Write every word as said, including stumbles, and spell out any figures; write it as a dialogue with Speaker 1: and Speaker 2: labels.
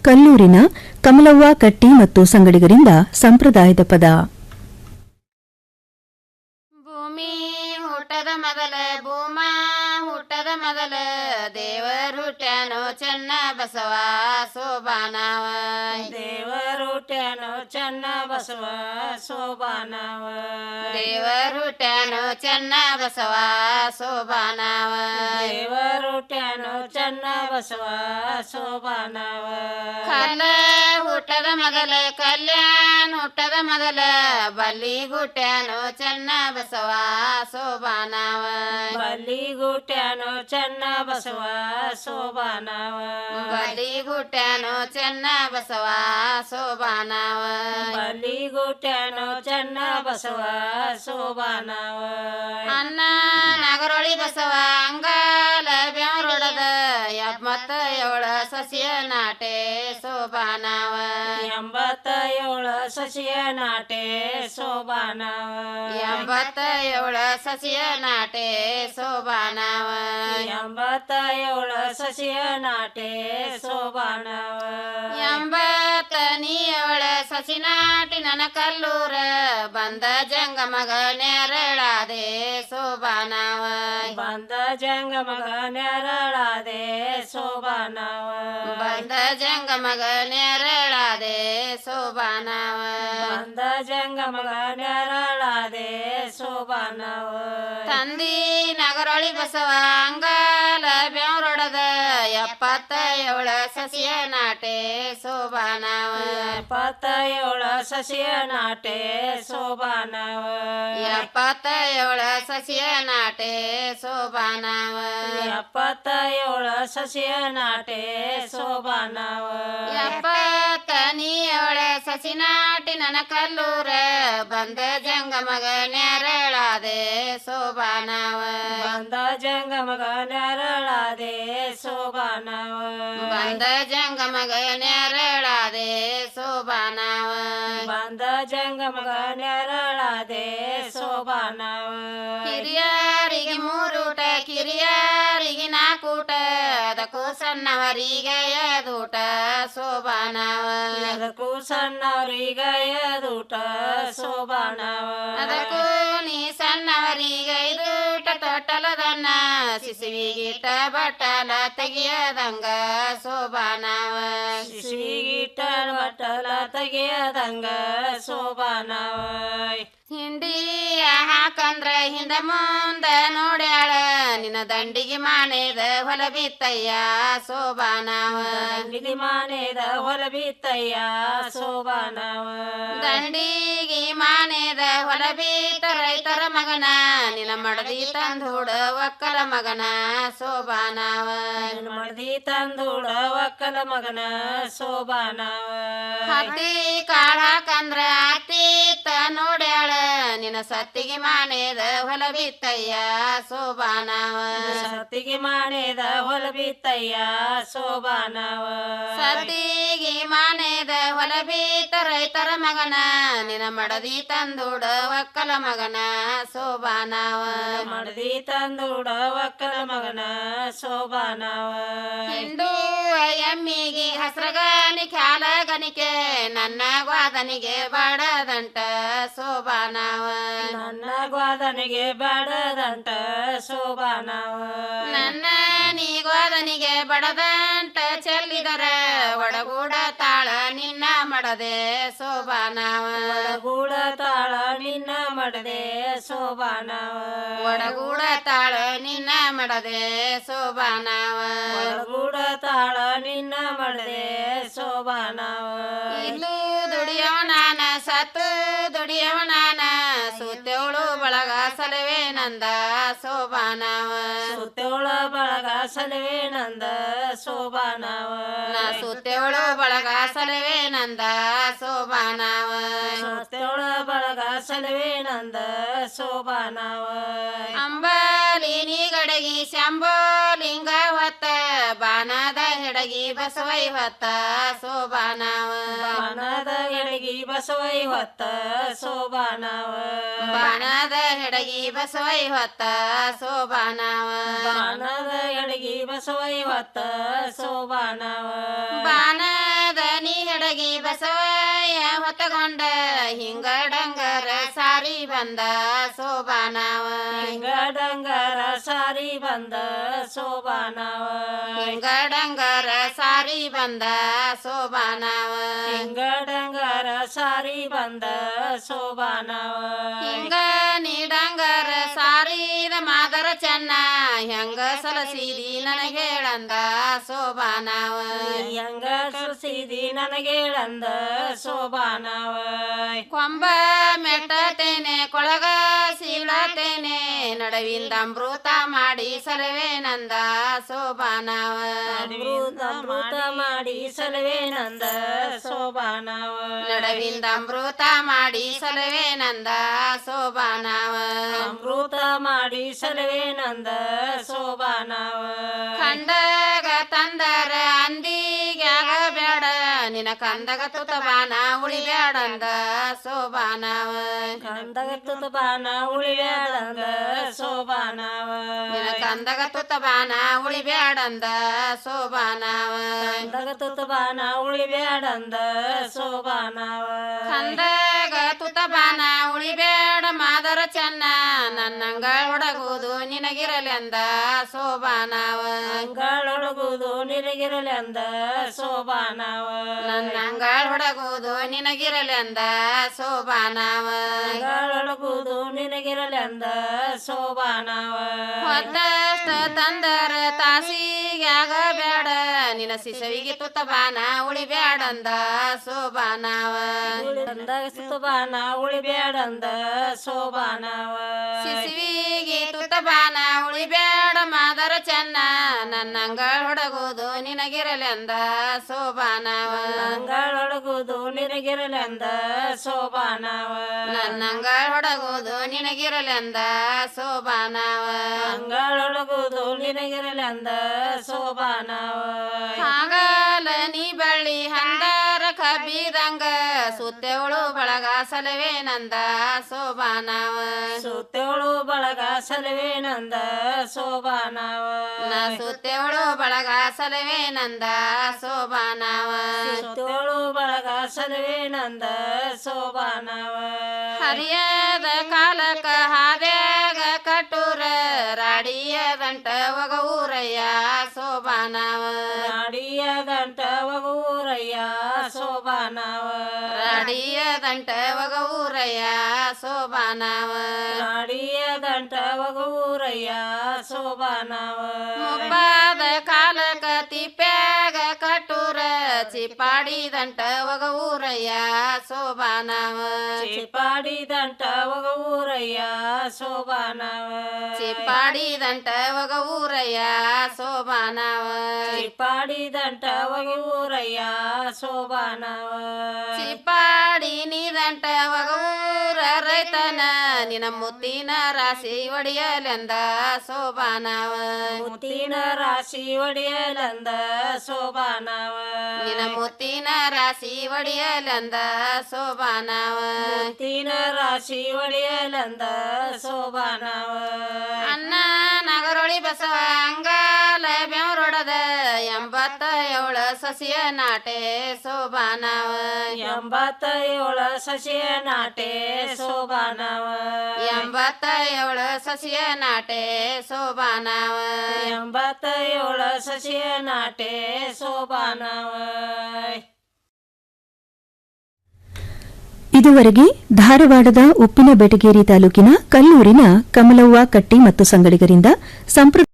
Speaker 1: ಕಲ್ಲೂರಿನ ಕಮಲವ್ವ ಕಟ್ಟಿ ಮತ್ತು ಸಂಗಡಿಗರಿಂದ ಸಂಪ್ರದಾಯದ ಪದ.
Speaker 2: ಭೂಮಿ ಹುಟ್ಟದ ಮೊದಲ ಭೂಮ ಹುಟ್ಟದ ಮೊದಲ ದೇವರು ಹುಟ್ಟ್ಯಾನೋ ಚೆನ್ನ ಬಸವ ಸೋಬಾನವ
Speaker 3: ದೇವರು ಹುಟ್ಟ್ಯಾನೋ ಚೆನ್ನ ಬಸವ ಸೋಬಾನವ
Speaker 2: ದೇವರು ಹುಟ್ಟ್ಯಾನೋ ಚೆನ್ನ ಬಸವ ಸೋಬಾನವ
Speaker 3: ದೇವರು ಹುಟ್ಟ್ಯಾನೋ ಚೆನ್ನ ಬಸವ ಸೋಬಾನವ
Speaker 2: ಕಲ್ಲ ಹುಟ್ಟದ ಮೊದಲ ಕಲ್ಯಾಣ ಹುಟ್ಟದ ಮೊದಲ ಬಲ್ಲಿ ಹುಟ್ಟ್ಯಾನೋ ಚೆನ್ನ ಬಸವ ಸೋಬಾನವ
Speaker 3: ಬಲ್ಲಿ ಹುಟ್ಟ್ಯಾನೋ ಚೆನ್ನ ಬಸವ ಸೋಬಾನವ
Speaker 2: ಬಲಿ ಹುಟ್ಟ್ಯಾನೋ ಚೆನ್ನ ಬಸವ ಸೋಬಾನವ
Speaker 3: ಬಲ್ಲಿ ಹುಟ್ಟ್ಯಾನೋ ಚೆನ್ನ ಬಸವ ಸೋಬಾನವ
Speaker 2: ಅನ್ನ ನಗರೊಳಿ ಬಸವ ಅಂಗಾಲ ಬೆವರೊಡದ ಎಪ್ಪತ್ತ ಏಳ ಸಸಿಯ ನಾಟೆ ಸೋಬಾನವ
Speaker 3: ಎಂಬತ್ತ ಏಳು ಸಸಿಯ ನಾಟೆ ಸೋಬಾನವ
Speaker 2: ಎಂಬತ್ತ ಏಳ ಸಸಿಯ ನಾಟೆ ಸೋಬಾನವ
Speaker 3: ಎಂಬತ್ತ ಏಳು ಸಸಿಯ ನಾಟೆ ಸೋಬಾನವ
Speaker 2: ಎಂಬತ್ತ ನೀಯೊಳ ಸಸಿ ನಾಟಿ ನನ್ನ ಕಲ್ಲೂರ ಬಂದ ಜಂಗಮಗ ನೆರಳಾದೆ ಸೋಬಾನವ
Speaker 3: ಬಂದ ಜಂಗಮಗ ನೆರಳಾದೆ ಸೋಬಾನವ
Speaker 2: ಬಂದ ಜಂಗಮಗ ನೆರಳಾದೆ ಸೋಬಾನವ
Speaker 3: ಬಂದ ಜಂಗಮಗ ನೆರಳಾದೆ ಸೋಬಾನವ
Speaker 2: ತಂದಿ ನಗರೊಳಿ ಬಸವ ಅಂಗಾಲ ಬೆವರೊಡದ ಎಪ್ಪತ್ತ ಏಳ ಸಸಿಯ ನಾಟೆ ಸೋಬಾನವ
Speaker 3: ಎಪ್ಪತ್ತ ಏಳು ಸಸಿಯ ನಾಟೆ ಸೋಬಾನವ
Speaker 2: ಎಪ್ಪತ್ತ ಏಳ ಸಸಿಯ ನಾಟೆ ಸೋಬಾನವ
Speaker 3: ಎಪ್ಪತ್ತ ಏಳು ಸಸಿಯ ನಾಟೆ ಸೋಬಾನವ
Speaker 2: ಎಪ್ಪತ್ತ ನೀಯೊಳ ಸಸಿ ನಾಟಿ ನನ್ನ ಕಲ್ಲೂರ ಬಂದ ಜಂಗಮಗ ನೆರಳಾದೆ ಸೋಬಾನವ
Speaker 3: ಬಂದ ಜಂಗಮಗ ನೆರಳಾದೆ ಸೋಬಾನವ
Speaker 2: ಬಂದ ಜಂಗಮಗ ನೆರಳಾದೆ ಸೋಬಾನವ
Speaker 3: ಬಂದ ಜಂಗಮಗ ನೆರಳಾದೆ ಸೋಬಾನವ
Speaker 2: ಹಿರಿಯರಿಗೆ ಮೂರೂಟ ಕಿರಿಯರಿಗೆ ನಾಕೂಟ ಅದಕ್ಕೂ ಸಣ್ಣವರಿಗೆ ಎದೂಟ ಸೋಬಾನವ
Speaker 3: ಅದಕ್ಕೂ ಸಣ್ಣವರಿಗ ಎದೂಟ ಸೋಬಾನವ
Speaker 2: ಅದಕ್ಕೂ ನೀ ಸಣ್ಣವರಿಗೆ ಇದೂಟ ತೊಟ್ಟಲದನ್ನ ಶಿಶುವಿಗಿಟ್ಟ ಬಟ್ಟಲ ತೆಗಿಯದಂಗ ಸೋಬಾನವ
Speaker 3: ಶಿಶುವಿಗಿಟ್ಟ ಬಟ್ಟಲ ತೆಗೆಯದಂಗ ಸೋಬಾನವ
Speaker 2: ಹಿಂಡಿಯ ಹಾಕಂದ್ರ ಹಿಂದ ಮುಂದ ನೋಡ್ಯಾಳ ನಿನ್ನ ದಂಡಿಗೆ ಮಾನೇದ ಹೊಲ ಬಿತ್ತಯ್ಯ ಸೋಬಾನವ
Speaker 3: ದಂಡಿಗೆ ಮಾನೇದ ಹೊಲ ಬಿತ್ತಯ್ಯ ಸೋಬಾನವ
Speaker 2: ದಂಡಿಗೆ ಮಾನೇದ ಹೊಲ ಬಿತ್ತ ರೈತರ ಮಗನ ನಿನ್ನ ಮಡದಿ ತಂದೂಡ ಒಕ್ಕಲ ಮಗನ ಸೋಬಾನವ
Speaker 3: ಮಡದಿ ತಂದೂಡ ಒಕ್ಕಲ ಮಗನ ಸೋಬಾನವ
Speaker 2: ಹತ್ತಿ ಕಾಳ ಹಾಕಂದ್ರ ಅತ್ತಿತ್ತ ನೋಡ್ಯಾಳ ನಿನ್ನ ಸತ್ತಿಗೆ ಮಾನೇದ ಹೊಲ ಬಿತ್ತಯ್ಯ ಸೋಬಾನವ
Speaker 3: ಸತ್ತಿಗೆ ಮಾನೇದ ಹೊಲ ಬಿತ್ತಯ್ಯ ಸೋಬಾನವ
Speaker 2: ಸತ್ತಿಗೆ ಮಾನೇದ ಹೊಲ ಬಿತ್ತ ರೈತರ ಮಗನ ನಿನ್ನ ಮಡದಿ ತಂದೂಡ ಒಕ್ಕಲ ಮಗನ ಸೋಬಾನವ
Speaker 3: ಮಡದಿ ತಂದೂಡ ಒಕ್ಕಲ ಮಗನ ಸೋಬಾನವ
Speaker 2: ಹಿಂಡು ಎಮ್ಮಿಗೆ ಹಸ್ರಗನಿ ಖ್ಯಾಲ ಗನಿಕೆ ನನ್ನ ಗ್ವಾದನಿಗೆ ಬಡದಂಟ ಸೋಬಾನವ
Speaker 3: ನನ್ನ ಗ್ವಾದನಿಗೆ ಬಡದಂಟ ಸೋಬಾನವ
Speaker 2: ನನ್ನ ನೀ ಗ್ವಾದನಿಗೆ ಬಡದಂಟ ಚೆಲ್ಲಿದರ ಒಡಗೂಡ ತಾಳ ನಿನ್ನ ಮಡದೆ ಸೋಬಾನವ
Speaker 3: ಒಡಗೂಡ ತಾಳ ನಿನ್ನ ಮಡದೆ ಸೋಬಾನವ
Speaker 2: ಒಡಗೂಡ ತಾಳ ನಿನ್ನ ಮಡದೆ ಸೋಬಾನವ
Speaker 3: ಒಡಗೂಡ ತಾಳ ನಿನ್ನ ಮಡದೆ ಸೋಬಾನವ
Speaker 2: ಇಲ್ಲೂ ದುಡಿಯವ ನಾನ ಸತ್ತು ದುಡಿಯವ ನಾನ ಸುತ್ತೇವಳು ಬಳಗ ಸಲವೇ ನಂದ ಸೋಬಾನವ
Speaker 3: ಸುತ್ತೇವಳ ಬಳಗ ಸಲವೇ ನಂದ ಸೋಬಾನವ
Speaker 2: ನಾ ಸುತ್ತೇವಳು ಬಳಗ ಸಲವೇ ನಂದ ಸೋಬಾನವ
Speaker 3: ಸುತ್ತೇವಳ ಬಳಗ ಸಲವೇ ನಂದ ಸೋಬಾನವ
Speaker 2: ಅಂಬಾಲಿ ನೀ ಗಡಗಿ ಶಂಭೋಲಿಂಗ ಹೊತ್ತ ಬಾಣದ ಹೆಡಗಿ ಬಸವೈ ಹೊತ್ತ ಸೋಬಾನವ
Speaker 3: ಬಾಣದ ಎಡಗಿ ಬಸವೈ ಹೊತ್ತ ಸೋಬಾನವ
Speaker 2: ಬಾಣದ ಹೆಡಗಿ ಬಸವೈ ಹೊತ್ತ ಸೋಬಾನವ
Speaker 3: ಬಾಣದ ಎಡಗಿ ಬಸವೈ ಹೊತ್ತ ಸೋಬಾನವ
Speaker 2: ಬಾಣದ ಹೆಡಗಿ ಬಸವಯ್ಯ ಹೊತ್ತಗೊಂಡ ಹಿಂಗ ಡಂಗರ ಸಾರಿ ಬಂದ ಸೋಬಾನವ
Speaker 3: ಹಿಂಗ ಡಂಗರ ಸಾರಿ ಬಂದ ಸೋಬಾನವ
Speaker 2: ಹಿಂಗ ಡಂಗರ ಸಾರಿ ಬಂದ ಸೋಬಾನವ
Speaker 3: ಹಿಂಗ ಡಂಗರ ಸಾರಿ ಬಂದ ಸೋಬಾನವ
Speaker 2: ಹಿಂಗ ನೀಡಂಗರ ಸಾರಿದ ಮಾದರ ಚೆನ್ನ ಹೆಂಗ ಸಲಸಿದಿ ನನಗೇಳಂದ ಸೋಬಾನವ
Speaker 3: ಹೆಂಗ ಸಲಸಿದಿ ನನಗೇಳಂದ ಸೋಬಾನವ
Speaker 2: ಕೊಂಬ ಮೆಟ್ಟತೇನೆ ಕೊಳಗ ಸೀಳತೇನೆ ನಡವಿಂದ ಅಮೃತ ಮಾಡಿ ಸಲವೇನಂದ ಸೋಬಾನವ
Speaker 3: ಅಮೃತ ಮಾಡಿ ಸಲವೇನಂದ ಸೋಬಾನವ
Speaker 2: ನಡವಿಂದ ಅಮೃತ ಮಾಡಿ ಸಲವೇನಂದ ಸೋಬಾನವ
Speaker 3: ಅಮೃತ ಮಾಡಿ ಸಲವೇನಂದ ಸೋಬಾನವ
Speaker 2: ಕಂಡಗ ತಂದರ ಅಂದಿಗ್ಯಾಗ ಬೇಡ ನಿನ ಕಂದಗ ತುತಬಾನ ಉಳಿಬ್ಯಾಡಂದ ಸೋಬಾನವ
Speaker 3: ಕಂದಗ ತುತಬಾನ ಉಳಿಬ್ಯಾಡಂದ ಸೋಬಾನವ
Speaker 2: ನಿನ ಕಂದಗ ತುತಬಾನ ಉಳಿಬ್ಯಾಡಂದ ಸೋಬಾನವ
Speaker 3: ಕಂದಗ ತುತಬಾನ ಉಳಿಬ್ಯಾಡಂದ ಸೋಬಾನವ
Speaker 2: ಕಂದಗ ತುತಬಾನ ಉಳಿಬ್ಯಾಡ ಮಾದರ ಚೆನ್ನ ನನ್ನಂಗ ಹೊಡಗುವುದು ನಿನಗಿರಲೆಂದ ಸೋಬಾನವ
Speaker 3: ಅಂಗಳೊಳಗುವುದು ನಿನಗಿರಲೆಂದ ಸೋಬಾನವ
Speaker 2: ನನ್ನಂಗ ಹೊಡಗುವುದು ನಿನಗಿರಲೆಂದ ಸೋಬಾನವ
Speaker 3: ಅಂಗಳೊಳಗುವುದು ನಿನಗಿರಲೆಂದ ಸೋಬಾನವ
Speaker 2: ಹೊತ್ತಷ್ಟ ತಂದರ ತಾಸಿಗ್ಯಾಗ ಬೇಡ ನಿನ ಸಿಸವಿಗೆ ತುತಬಾನ ಉಳಿಬ್ಯಾಡಂದ ಸೋಬಾನವ
Speaker 3: ಕಂದಗ ತುತಬಾನ ಉಳಿಬ್ಯಾಡಂದ ಸೋಬಾನವ
Speaker 2: ಸಿಸಿವಿಗೆ ತುತಬಾನ ಉಳಿಬ್ಯಾಡ ಮಾದರ ಚೆನ್ನ ನನ್ನಂಗ ಹೊಡಗುವುದು ನಿನಗಿರಲೆಂದ ಸೋಬಾನವ
Speaker 3: ಅಂಗಳೊಳಗುವುದು ನಿನಗಿರಲೆಂದ ಸೋಬಾನವ
Speaker 2: ನನ್ನಂಗ ಹೊಡಗುವುದು ನಿನಗಿರಲೆಂದ ಸೋಬಾನವ
Speaker 3: ಅಂಗಳೊಳಗುವುದು ನಿನಗಿರಲೆಂದ ಸೋಬಾನವ
Speaker 2: ಹಾಗಲ ನೀ ಬಳ್ಳಿ ಹಂದರ ಕಬ್ಬಿದಂಗ ಸುತ್ತೆವಳು ಬಳಗ ಸಲವೇನಂದ ಸೋಬಾನವ
Speaker 3: ಸುತ್ತೇಳು ಬಳಗ ಸಲವೇನಂದ ಸೋಬಾನವ
Speaker 2: ನಾ ಸುತ್ತೆವಳು ಬಳಗ ಸಲವೇನಂದ ಸೋಬಾನವ
Speaker 3: ಸುತ್ತೇಳು ಬಳಗ ಸಲವೇನಂದ ಸೋಬಾನವ
Speaker 2: ಹರಿಯದ ಕಾಲಕ ಹಾದ್ಯಾಗ ಕಟೂರ ರಾಡಿಯ ದಂಟ ಒಗ ಊರಯ್ಯ ಸೋಬಾನವ
Speaker 3: ನಾಡಿಯ ದಂಟ ಒಗೂರಯ್ಯ ಸೋಬಾನವ
Speaker 2: ರಾಡಿಯ ದಂಟ ಒಗ ಊರಯ್ಯ ಸೋಬಾನವ
Speaker 3: ನಾಡಿಯ ದಂಟ ಒಗೂರಯ್ಯ ಸೋಬಾನವ
Speaker 2: ಮುಪ್ಪಾದ ಕಾಲಕ ತಿಪ್ಪ್ಯಾಗ ಕಟೂರ ಚಿಪ್ಪಾಡಿ ದಂಟ ಒಗ ಊರಯ್ಯ ಸೋಬಾನವ
Speaker 3: ಚಿಪ್ಪಾಡಿ ದಂಟ ಒಗೂರಯ್ಯ ಸೋಬಾನವ
Speaker 2: ಚಿಪ್ಪಾಡಿ ದಂಟ ಒಗ ಊರಯ್ಯ ಸೋಬಾನವ
Speaker 3: ಚಿಪ್ಪಾಡಿ ದಂಟ ಒಗೂರಯ್ಯ ಸೋಬಾನವ
Speaker 2: ಚಿಪ್ಪಾಡಿ ನೀ ದಂಟ ಒಗ ಊರ ರೈತನ ನಿನ ಮುತ್ತಿನ ರಾಶಿ ಒಡೆಯಲೆಂದ ಸೋಬಾನವ
Speaker 3: ಮುತ್ತಿನ ರಾಶಿ ಒಡೆಯಲಂದ ಸೋಬಾನವ
Speaker 2: ನಿನ ಮುತ್ತಿನ ರಾಶಿ ಒಡೆಯಲೆಂದ ಸೋಬಾನವ
Speaker 3: ಮುತ್ತಿನ ರಾಶಿ ಒಡೆಯಲಂದ ಸೋಬಾನವ
Speaker 2: ಅನ್ನ ನಗರೊಳಿ ಬಸವ ಅಂಗಾಲ ಬೆವರೊಡದ ಎಂಬತ್ತ ಏಳ ಸಸಿಯ ನಾಟೆ ಸೋಬಾನವ
Speaker 3: ಎಂಬತ್ತ ಏಳ ಸಸಿಯ ನಾಟೆ ಸೋಬಾನವ
Speaker 2: ಎಂಬತ್ತ ಏಳ ಸಸಿಯ ನಾಟೆ ಸೋಬಾನವ
Speaker 3: ಎಂಬತ್ತ ಏಳ ಸಸಿಯ ನಾಟೆ ಸೋಬಾನವ
Speaker 1: ಇದುವರೆಗೆ ಧಾರವಾಡದ ಉಪ್ಪಿನ ಬೆಟಗೇರಿ ತಾಲೂಕಿನ ಕಲ್ಲೂರಿನ ಕಮಲವ್ವ ಕಟ್ಟಿ ಮತ್ತು ಸಂಗಡಿಗರಿಂದ ಸಂಪ್ರದಾಯ